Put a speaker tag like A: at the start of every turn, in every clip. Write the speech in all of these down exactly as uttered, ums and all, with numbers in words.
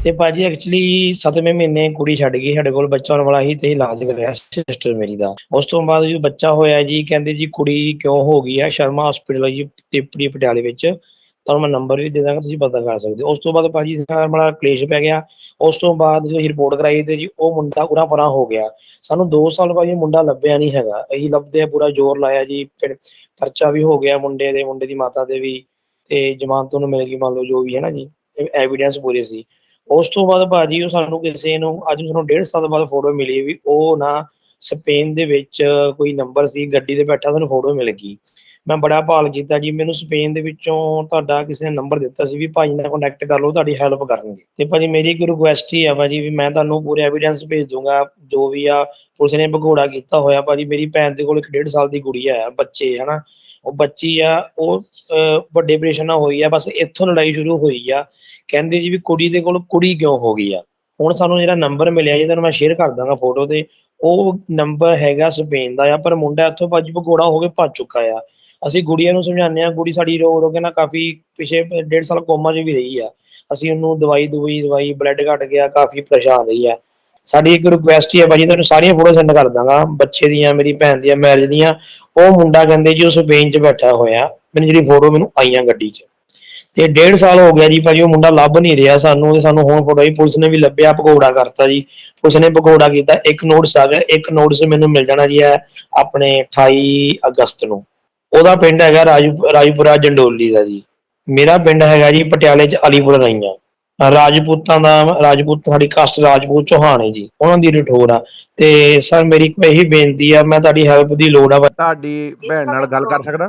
A: ਤੇ ਭਾਜੀ ਐਕਚੁਅਲੀ ਸੱਤਵੇਂ ਮਹੀਨੇ ਕੁੜੀ ਛੱਡ ਗਈ, ਸਾਡੇ ਕੋਲ ਬੱਚਾ ਹੋਣ ਵਾਲਾ ਸੀ ਤੇ ਇਲਾਜ ਕਰਿਆ ਸਿਸਟਰ ਮੇਰੀ ਦਾ। ਉਸ ਤੋਂ ਬਾਅਦ ਜਦੋਂ ਬੱਚਾ ਹੋਇਆ ਜੀ ਕਹਿੰਦੇ ਜੀ ਕੁੜੀ ਕਿਉਂ ਹੋ ਗਈ ਆ, ਸ਼ਰਮਾ ਹਸਪੀਟਲ ਜੀ ਟਿੱਪੜੀ ਪਟਿਆਲੇ ਵਿੱਚ, ਤੁਹਾਨੂੰ ਮੈਂ ਨੰਬਰ ਵੀ ਦੇ ਦਾਂਗਾ, ਤੁਸੀਂ ਪਤਾ ਕਰ ਸਕਦੇ ਹੋ। ਉਸ ਤੋਂ ਬਾਅਦ ਭਾਜੀ ਬੜਾ ਕਲੇਸ਼ ਪੈ ਗਿਆ। ਉਸ ਤੋਂ ਬਾਅਦ ਜਦੋਂ ਅਸੀਂ ਰਿਪੋਰਟ ਕਰਾਈ ਤੇ ਜੀ ਉਹ ਮੁੰਡਾ ਉਰਾਂ ਪਰਾਂ ਹੋ ਗਿਆ। ਸਾਨੂੰ ਦੋ ਸਾਲ ਭਾਜੀ ਮੁੰਡਾ ਲੱਭਿਆ ਨਹੀਂ ਹੈਗਾ, ਅਸੀਂ ਲੱਭਦੇ ਆ ਪੂਰਾ ਜ਼ੋਰ ਲਾਇਆ ਜੀ, ਫਿਰ ਪਰਚਾ ਵੀ ਹੋ ਗਿਆ ਮੁੰਡੇ ਦੇ, ਮੁੰਡੇ ਦੀ ਮਾਤਾ ਦੇ ਵੀ, ਤੇ ਜ਼ਮਾਨਤ ਉਹਨੂੰ ਮਿਲ ਗਈ, ਮੰਨ ਲਓ ਜੋ ਵੀ ਹੈ ਨਾ ਜੀ, ਐਵੀਡੈਂਸ ਪੂਰੇ ਸੀ। ਉਸ ਤੋਂ ਬਾਅਦ ਭਾਜੀ ਉਹ ਸਾਨੂੰ ਕਿਸੇ ਨੂੰ ਅੱਜ ਸਾਨੂੰ ਡੇਢ ਸਾਲ ਬਾਅਦ ਫੋਟੋ ਮਿਲੀ ਵੀ ਉਹ ਨਾ ਸਪੇਨ ਦੇ ਵਿੱਚ ਕੋਈ ਨੰਬਰ ਸੀ, ਗੱਡੀ ਤੇ ਬੈਠਾ ਸਾਨੂੰ ਫੋਟੋ ਮਿਲ ਗਈ। ਮੈਂ ਬੜਾ ਭਾਲ ਕੀਤਾ ਜੀ, ਮੈਨੂੰ ਸਪੇਨ ਦੇ ਵਿੱਚੋਂ ਤੁਹਾਡਾ ਕਿਸੇ ਨੇ ਨੰਬਰ ਦਿੱਤਾ ਸੀ ਵੀ ਭਾਜੀ ਨਾਲ ਕੰਟੈਕਟ ਕਰ ਲਓ, ਤੁਹਾਡੀ ਹੈਲਪ ਕਰਨਗੇ। ਤੇ ਭਾਜੀ ਮੇਰੀ ਇੱਕ ਰਿਕੁਐਸਟ ਹੀ ਆ ਭਾਜੀ ਵੀ ਮੈਂ ਤੁਹਾਨੂੰ ਪੂਰੇ ਐਵੀਡੈਂਸ ਭੇਜ ਦੂੰਗਾ, ਜੋ ਵੀ ਆ ਪੁਲਿਸ ਨੇ ਭਗੌੜਾ ਕੀਤਾ ਹੋਇਆ। ਭਾਜੀ ਮੇਰੀ ਭੈਣ ਦੇ ਕੋਲ ਇੱਕ ਡੇਢ ਸਾਲ ਦੀ ਕੁੜੀ ਆ, ਬੱਚੇ ਹਨਾ, ਉਹ ਬੱਚੀ ਆ, ਉਹ ਵੱਡੇ ਆਪਰੇਸ਼ਨ ਨਾਲ ਹੋਈ ਆ, ਬਸ ਇੱਥੋਂ ਲੜਾਈ ਸ਼ੁਰੂ ਹੋਈ ਆ। ਕਹਿੰਦੇ ਜੀ ਵੀ ਕੁੜੀ ਦੇ ਕੋਲ ਕੁੜੀ ਕਿਉਂ ਹੋ ਗਈ ਆ। ਹੁਣ ਸਾਨੂੰ ਜਿਹੜਾ ਨੰਬਰ ਮਿਲਿਆ ਜੀ ਤੁਹਾਨੂੰ ਮੈਂ ਸ਼ੇਅਰ ਕਰ ਦਾਂਗਾ ਫੋਟੋ ਤੇ, ਉਹ ਨੰਬਰ ਹੈਗਾ ਸਪੇਨ ਦਾ ਆ, ਪਰ ਮੁੰਡਾ ਇੱਥੋਂ ਭਾਜੀ ਭਗੌੜਾ ਹੋ ਕੇ ਭੱਜ ਚੁੱਕਾ ਆ। ਅਸੀਂ ਗੁੜੀਆਂ ਨੂੰ ਸਮਝਾਉਂਦੇ ਹਾਂ, ਕੁੜੀ ਸਾਡੀ ਰੋ ਰੋ ਕੇ ਨਾ ਕਾਫੀ ਪਿਛੇ ਡੇਢ ਸਾਲ ਕੋਮਾ 'ਚ ਵੀ ਰਹੀ ਆ। ਅਸੀਂ ਉਹਨੂੰ ਦਵਾਈ ਦਵਾਈ ਦਵਾਈ ਬਲੱਡ ਘਟ ਗਿਆ, ਕਾਫੀ ਪਰੇਸ਼ਾਨ ਰਹੀ ਆ। ਸਾਡੀ ਇੱਕ ਰਿਕੁਐਸਟ ਹੀ ਹੈ ਭਾਜੀ, ਤੁਹਾਨੂੰ ਸਾਰੀਆਂ ਫੋਟੋ ਸੈਂਡ ਕਰ ਦਾਂਗਾ ਬੱਚੇ ਦੀਆਂ, ਮੇਰੀ ਭੈਣ ਦੀਆਂ, ਮੈਰਿਜ ਦੀਆਂ। ਉਹ ਮੁੰਡਾ ਕਹਿੰਦੇ ਜੀ ਉਹ ਸਪੇਨ 'ਚ ਬੈਠਾ ਹੋਇਆ, ਮੈਨੂੰ ਜਿਹੜੀ ਫੋਟੋ ਮੈਨੂੰ ਆਈਆਂ ਗੱਡੀ 'ਚ, ਤੇ ਡੇਢ ਸਾਲ ਹੋ ਗਿਆ ਜੀ ਭਾਜੀ ਉਹ ਮੁੰਡਾ ਲੱਭ ਨਹੀਂ ਰਿਹਾ ਸਾਨੂੰ। ਤੇ ਸਾਨੂੰ ਹੁਣ ਫੋਟੋ ਜੀ ਪੁਲਿਸ ਨੇ ਵੀ ਲੱਭਿਆ, ਭਗੌੜਾ ਕਰਤਾ ਜੀ, ਪੁਲਿਸ ਨੇ ਭਗੌੜਾ ਕੀਤਾ। ਇੱਕ ਨੋਟਿਸ ਆ ਗਿਆ, ਇੱਕ ਨੋਟਿਸ ਮੈਨੂੰ ਮਿਲ ਜਾਣਾ ਜੀ ਹੈ ਆਪਣੇ ਅਠਾਈ ਅਗਸਤ ਨੂੰ। ਉਹਦਾ ਪਿੰਡ ਹੈਗਾ ਰਾਜੂ ਰਾਜਪੁਰਾ ਜੰਡੋਲੀ ਦਾ ਜੀ, ਮੇਰਾ ਪਿੰਡ ਹੈਗਾ ਜੀ ਪਟਿਆਲੇ 'ਚ ਅਲੀਪੁਰ ਰਾਈਆਂ। ਰਾਜਪੂਤਾਂ ਦਾ ਰਾਜਪੂਤ ਸਾਡੀ ਕਾਸਟ ਰਾਜਪੂਤ ਚੌਹਾਨ ਹੈ ਜੀ, ਉਹਨਾਂ ਦੀ ਰਠੋਰ ਆ। ਤੇ ਸਰ ਮੇਰੀ ਇਹੀ ਬੇਨਤੀ ਆ, ਮੈਂ ਤੁਹਾਡੀ ਹੈਲਪ ਦੀ ਲੋੜ ਆ।
B: ਤੁਹਾਡੀ ਭੈਣ ਨਾਲ ਗੱਲ ਕਰ ਸਕਦਾ?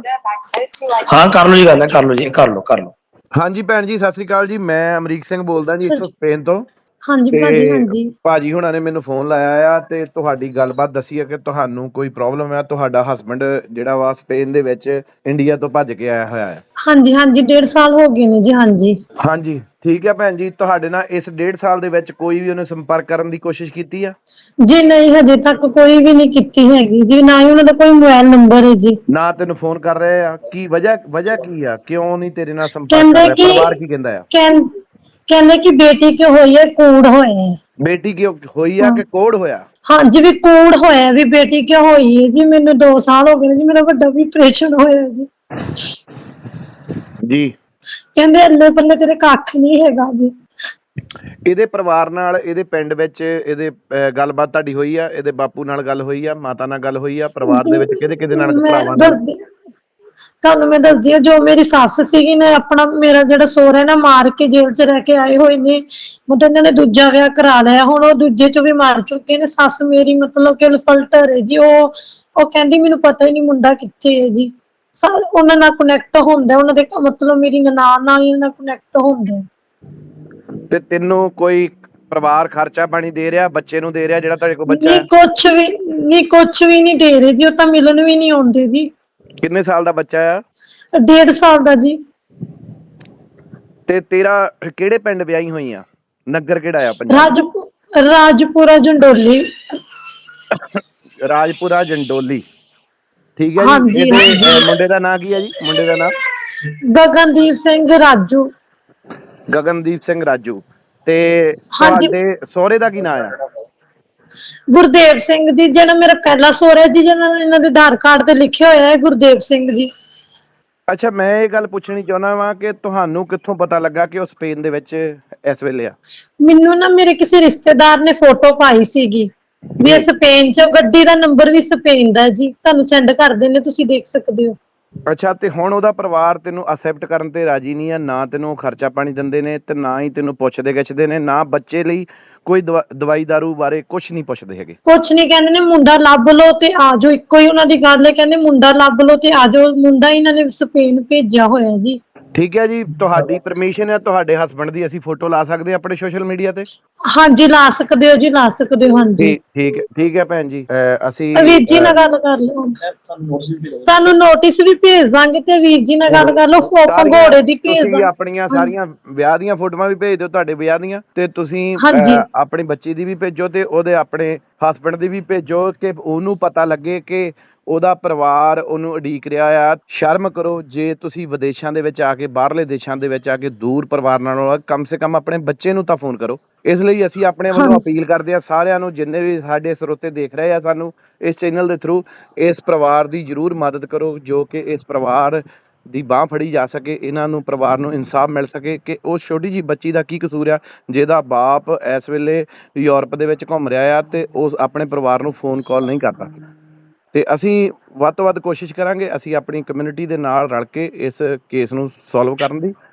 A: ਹਾਂ ਕਰ ਲਓ ਜੀ, ਗੱਲ ਹੈ ਕਰ ਲਓ ਜੀ, ਕਰ ਲਓ ਕਰ ਲਓ।
B: ਹਾਂਜੀ ਭੈਣ ਜੀ ਸਤਿ ਸ੍ਰੀ ਅਕਾਲ ਜੀ, ਮੈਂ ਅਮਰੀਕ ਸਿੰਘ ਬੋਲਦਾ ਜੀ ਇੱਥੋਂ ਸਪੇਨ ਤੋਂ।
C: ਹਾਂਜੀ ਭਾਜੀ, ਹਾਂਜੀ
B: ਭਾਜੀ ਹੁਣਾਂ ਨੇ ਮੈਨੂੰ ਫੋਨ ਲਾਇਆ ਆ ਤੇ ਤੁਹਾਡੀ ਗੱਲਬਾਤ ਦੱਸੀ ਹੈ ਕਿ ਤੁਹਾਨੂੰ ਕੋਈ ਪ੍ਰੋਬਲਮ ਹੈ, ਤੁਹਾਡਾ ਹਸਬੈਂਡ ਜਿਹੜਾ ਵਾ ਸਪੇਨ ਦੇ ਵਿੱਚ ਇੰਡੀਆ ਤੋਂ ਭੱਜ ਕੇ ਆਇਆ ਹੋਇਆ ਹੈ।
C: ਹਾਂਜੀ ਹਾਂਜੀ ਡੇਢ ਸਾਲ ਹੋ ਗਏ ਨੇ ਜੀ। ਹਾਂਜੀ
B: ਹਾਂਜੀ ਠੀਕ ਹੈ ਭੈਣ ਜੀ, ਤੁਹਾਡੇ ਨਾਲ ਇਸ ਡੇਢ ਸਾਲ ਦੇ ਵਿੱਚ ਕੋਈ ਵੀ ਉਹਨੇ ਸੰਪਰਕ ਕਰਨ ਦੀ ਕੋਸ਼ਿਸ਼ ਕੀਤੀ ਆ
C: ਜੀ? ਨਹੀਂ ਹਜੇ ਤੱਕ ਕੋਈ ਵੀ ਨਹੀਂ ਕੀਤੀ ਹੈਗੀ ਜੀ, ਨਾ ਹੀ ਉਹਨਾਂ ਦਾ ਕੋਈ ਮੋਬਾਈਲ ਨੰਬਰ ਹੈ ਜੀ।
B: ਨਾ ਤੈਨੂੰ ਫੋਨ ਕਰ ਰਹੇ ਆ? ਕੀ ਵਜ੍ਹਾ ਵਜ੍ਹਾ ਕੀ ਆ, ਕਿਉਂ ਨਹੀਂ ਤੇਰੇ ਨਾਲ ਸੰਪਰਕ ਕਰ ਰਿਹਾ? ਪਰਿਵਾਰ ਕੀ ਕਹਿੰਦਾ ਆ?
C: ਕਹਿੰਦੇ ਕਿ ਬੇਟੀ ਕਿਉਂ ਹੋਈ ਹੈ, ਕੂੜ ਹੋਇਆ।
B: ਬੇਟੀ ਕਿਉਂ ਹੋਈ ਆ ਕਿ ਕੋੜ ਹੋਇਆ?
C: ਹਾਂਜੀ ਵੀ ਕੂੜ ਹੋਇਆ, ਵੀ ਬੇਟੀ ਕਿਉਂ ਹੋਈ ਹੈ ਜੀ। ਮੈਨੂੰ ਦੋ ਸਾਲ ਹੋ ਗਏ ਨੇ ਜੀ, ਮੇਰਾ ਵੱਡਾ ਵੀ ਆਪਰੇਸ਼ਨ ਹੋਇਆ ਜੀ।
B: ਜੀ
C: ਕਹਿੰਦੇ ਅੱਲੇ ਪੱਲੇ ਤੇਰੇ ਕੱਖ ਨਹੀਂ ਹੈਗਾ ਜੀ।
B: ਇਹਦੇ ਪਰਿਵਾਰ ਨਾਲ, ਇਹਦੇ ਪਿੰਡ ਵਿੱਚ ਇਹਦੇ ਗੱਲਬਾਤ ਤੁਹਾਡੀ ਹੋਈ ਆ? ਇਹਦੇ ਬਾਪੂ ਨਾਲ ਗੱਲ ਹੋਈ ਆ, ਮਾਤਾ ਨਾਲ ਗੱਲ ਹੋਈ ਆ? ਪਰਿਵਾਰ ਦੇ ਵਿੱਚ ਕਿਹਦੇ ਕਿਹਦੇ ਨਾਲ, ਭਰਾਵਾਂ ਨਾਲ?
C: ਤੁਹਾਨੂੰ ਮੈਂ ਦੱਸਦੀ ਹਾਂ, ਜੋ ਮੇਰੀ ਸੱਸ ਸੀਗੀ ਨੇ ਆਪਣਾ, ਮੇਰਾ ਜਿਹੜਾ ਸਹੁਰਾ ਨਾ ਮਾਰ ਕੇ ਜੇਲ੍ਹ 'ਚ ਰਹਿ ਕੇ ਆਏ ਹੋਏ ਨੇ, ਮਤਲਬ ਇਹਨਾਂ ਨੇ ਦੂਜਾ ਵਿਆਹ ਕਰਾ ਲਿਆ, ਹੁਣ ਉਹ ਦੂਜੇ 'ਚੋਂ ਵੀ ਮਾਰ ਚੁੱਕੇ ਨੇ। ਸੱਸ ਮੇਰੀ ਮਤਲਬ ਕਿ ਅਲਫਲਟਰ ਹੈ ਜੀ, ਉਹ ਉਹ ਕਹਿੰਦੀ ਮੈਨੂੰ ਪਤਾ ਹੀ ਨਹੀਂ ਮੁੰਡਾ ਕਿੱਥੇ ਹੈ ਜੀ। ਉਹਨਾਂ ਨਾਲ ਕਨੈਕਟ ਹੁੰਦਾ, ਉਹਨਾਂ ਦੇ ਮਤਲਬ ਮੇਰੀ ਨਨਾਣ ਨਾਲ ਹੀ ਉਹਨਾਂ ਕਨੈਕਟ ਹੁੰਦਾ।
B: ਤੇ ਤੈਨੂੰ ਕੋਈ ਪਰਿਵਾਰ ਖਰਚਾ ਪਾਣੀ ਦੇ ਰਿਹਾ, ਬੱਚੇ ਨੂੰ ਦੇ ਰਿਹਾ ਜਿਹੜਾ ਤੁਹਾਡੇ ਕੋਲ ਬੱਚਾ ਹੈ?
C: ਨਹੀਂ ਕੁਛ ਵੀ ਨਹੀਂ, ਕੁਛ ਵੀ ਨਹੀਂ ਦੇ ਰਹੇ ਜੀ, ਉਹ ਤਾਂ ਮਿਲਣ ਵੀ ਨਹੀਂ ਆਉਂਦੇ ਜੀ।
B: ਕਿੰਨੇ ਸਾਲ ਦਾ ਬੱਚਾ ਆ?
C: ਡੇਢ ਸਾਲ ਦਾ ਜੀ।
B: ਤੇ ਤੇਰਾ ਕਿਹੜੇ ਪਿੰਡ ਵਿਆਹੀ ਹੋਈ ਆ? ਨਗਰ ਕਿਹੜਾ ਆ ਪੰਜਾਬ?
C: ਰਾਜਪੁ ਰਾਜਪੁਰਾ ਜੰਡੋਲੀ।
B: ਰਾਜਪੁਰਾ ਜੰਡੋਲੀ, ਠੀਕ ਹੈ ਜੀ। ਇਹਦੇ ਮੁੰਡੇ ਦਾ ਨਾਂ ਕੀ ਹੈ ਜੀ? ਮੁੰਡੇ ਦਾ ਨਾਂ
C: ਗਗਨਦੀਪ ਸਿੰਘ ਰਾਜੂ।
B: ਗਗਨਦੀਪ ਸਿੰਘ ਰਾਜੂ। ਤੇ ਤੁਹਾਡੇ ਸਹੁਰੇ ਦਾ ਕੀ ਨਾਂ ਆ?
C: ਗੁਰਦੇਵ ਸਿੰਘ ਜੀ, ਜਿਹੜਾ ਮੇਰਾ ਪਹਿਲਾ ਸਹੁਰਾ ਜੀ, ਜਿਹਨਾਂ ਇਹਨਾਂ ਦੇ ਆਧਾਰ ਕਾਰਡ ਤੇ ਲਿਖਿਆ ਹੋਇਆ ਹੈ ਗੁਰਦੇਵ ਸਿੰਘ ਜੀ।
B: ਅੱਛਾ, ਮੈਂ ਇਹ ਗੱਲ ਪੁੱਛਣੀ ਚਾਹੁੰਦਾ ਵਾਂ ਕਿ ਤੁਹਾਨੂੰ ਕਿੱਥੋਂ ਪਤਾ ਲੱਗਾ ਕਿ ਉਹ ਸਪੇਨ ਦੇ ਵਿੱਚ ਇਸ ਵੇਲੇ ਆ?
C: ਮੈਨੂੰ ਨਾ ਮੇਰੇ ਕਿਸੇ ਰਿਸ਼ਤੇਦਾਰ ਨੇ ਫੋਟੋ ਪਾਈ ਸੀਗੀ ਵੀ ਇਹ ਸਪੇਨ 'ਚ, ਗੱਡੀ ਦਾ ਨੰਬਰ ਵੀ ਸਪੇਨ ਦਾ ਜੀ, ਤੁਹਾਨੂੰ ਸੈਂਡ ਕਰ ਦਿੰਦੇ, ਤੁਸੀਂ ਦੇਖ ਸਕਦੇ ਹੋ।
B: ਅੱਛਾ, ਤੇ ਹੁਣ ਉਹਦਾ ਪਰਿਵਾਰ ਤੈਨੂੰ ਅਸੈਪਟ ਕਰਨ ਤੇ ਰਾਜੀ ਨਹੀਂ ਆ? ਨਾ ਤੈਨੂੰ ਖਰਚਾ ਪਾਣੀ ਦਿੰਦੇ ਨੇ ਤੇ ਨਾ ਹੀ ਤੈਨੂੰ ਪੁੱਛਦੇ ਗਿੱਛਦੇ ਨੇ, ਨਾ ਬੱਚੇ ਲਈ ਕੋਈ ਦਵਾਈ ਦਾਰੂ ਬਾਰੇ ਕੁਛ ਨਹੀਂ ਪੁੱਛਦੇ ਹੈਗੇ?
C: ਕੁਛ ਨਹੀਂ, ਕਹਿੰਦੇ ਨੇ ਮੁੰਡਾ ਲੱਭ ਲਓ ਤੇ ਆ ਜਾਓ, ਇੱਕੋ ਹੀ ਉਹਨਾਂ ਦੀ ਗੱਲ ਹੈ, ਕਹਿੰਦੇ ਮੁੰਡਾ ਲੱਭ ਲਓ ਤੇ ਆ ਜਾਓ। ਮੁੰਡਾ ਇਹਨਾਂ ਨੇ ਸਪੇਨ ਭੇਜਿਆ ਹੋਇਆ ਜੀ। ਠੀਕ
B: ਹੈ ਜੀ, ਤੁਹਾਡੀ ਪਰਮਿਸ਼ਨ ਹੈ ਤੁਹਾਡੇ ਹਸਬੈਂਡ ਦੀ, ਅਸੀਂ ਫੋਟੋ ਲਾ ਸਕਦੇ ਆਪਣੇ ਸੋਸ਼ਲ ਮੀਡੀਆ ਤੇ?
C: ਹਾਂਜੀ ਲਾ ਸਕਦੇ ਹੋ ਜੀ, ਲਾ ਸਕਦੇ ਹੋ। ਹਾਂਜੀ
B: ਠੀਕ ਹੈ, ਠੀਕ ਹੈ ਭੈਣ ਜੀ, ਅਸੀਂ
C: ਵੀਰ ਜੀ ਨਾਲ ਗੱਲ ਕਰ ਲਓ, ਤੁਹਾਨੂੰ ਨੋਟਿਸ ਵੀ ਭੇਜ ਦਾਂਗੇ ਤੇ ਵੀਰ ਜੀ ਨਾਲ ਗੱਲ ਕਰ ਲਓ, ਫੋਟੋ ਘੋੜੇ ਦੀ ਭੇਜ ਦਾਂਗੇ।
B: ਤੁਸੀਂ ਆਪਣੀਆਂ ਸਾਰੀਆਂ ਵਿਆਹ ਦੀਆਂ ਫੋਟੋਆਂ ਵੀ ਭੇਜ ਦਿਓ, ਤੁਹਾਡੇ ਵਿਆਹ ਦੀਆਂ, ਤੇ ਤੁਸੀਂ ਆਪਣੀ ਬੱਚੀ ਦੀ ਵੀ ਭੇਜੋ ਤੇ ਉਹਦੇ ਆਪਣੇ ਹਸਬੈਂਡ ਦੀ ਵੀ ਭੇਜੋ, ਕਿ ਉਹਨੂੰ ਪਤਾ ਲੱਗੇ ਕਿ ਉਹਦਾ ਪਰਿਵਾਰ ਉਹਨੂੰ ਉਡੀਕ ਰਿਹਾ ਆ। ਸ਼ਰਮ ਕਰੋ ਜੇ ਤੁਸੀਂ ਵਿਦੇਸ਼ਾਂ ਦੇ ਵਿੱਚ ਆ ਕੇ, ਬਾਹਰਲੇ ਦੇਸ਼ਾਂ ਦੇ ਵਿੱਚ ਆ ਕੇ ਦੂਰ ਪਰਿਵਾਰ ਨਾਲੋਂ ਕਮ ਸੇ ਕਮ ਆਪਣੇ ਬੱਚੇ ਨੂੰ ਤਾਂ ਫੋਨ ਕਰੋ। ਇਸ ਲਈ ਅਸੀਂ ਆਪਣੇ ਵੱਲੋਂ
C: ਹਾਂਜੀ
B: ਅਪੀਲ ਕਰਦੇ ਹਾਂ ਸਾਰਿਆਂ ਨੂੰ, ਜਿੰਨੇ ਵੀ ਸਾਡੇ ਸਰੋਤੇ ਦੇਖ ਰਹੇ ਆ ਸਾਨੂੰ ਇਸ ਚੈਨਲ ਦੇ ਥਰੂ, ਇਸ ਪਰਿਵਾਰ ਦੀ ਜ਼ਰੂਰ ਮਦਦ ਕਰੋ ਜੋ ਕਿ ਇਸ ਪਰਿਵਾਰ ਦੀ ਬਾਂਹ ਫੜੀ ਜਾ ਸਕੇ, ਇਹਨਾਂ ਨੂੰ ਪਰਿਵਾਰ ਨੂੰ ਇਨਸਾਫ ਮਿਲ ਸਕੇ ਕਿ ਉਸ ਛੋਟੀ ਜਿਹੀ ਬੱਚੀ ਦਾ ਕੀ ਕਸੂਰ ਆ ਜਿਹਦਾ ਬਾਪ ਇਸ ਵੇਲੇ ਯੂਰਪ ਦੇ ਵਿੱਚ ਘੁੰਮ ਰਿਹਾ ਆ ਤੇ ਉਸ ਆਪਣੇ ਪਰਿਵਾਰ ਨੂੰ ਫੋਨ ਕਾਲ ਨਹੀਂ ਕਰਦਾ। ਤੇ ਅਸੀਂ ਵੱਧ ਤੋਂ ਵੱਧ ਕੋਸ਼ਿਸ਼ ਕਰਾਂਗੇ ਅਸੀਂ ਆਪਣੀ ਕਮਿਊਨਿਟੀ ਦੇ ਨਾਲ ਰਲ ਕੇ ਇਸ ਕੇਸ ਨੂੰ ਸੋਲਵ ਕਰਨ ਦੀ।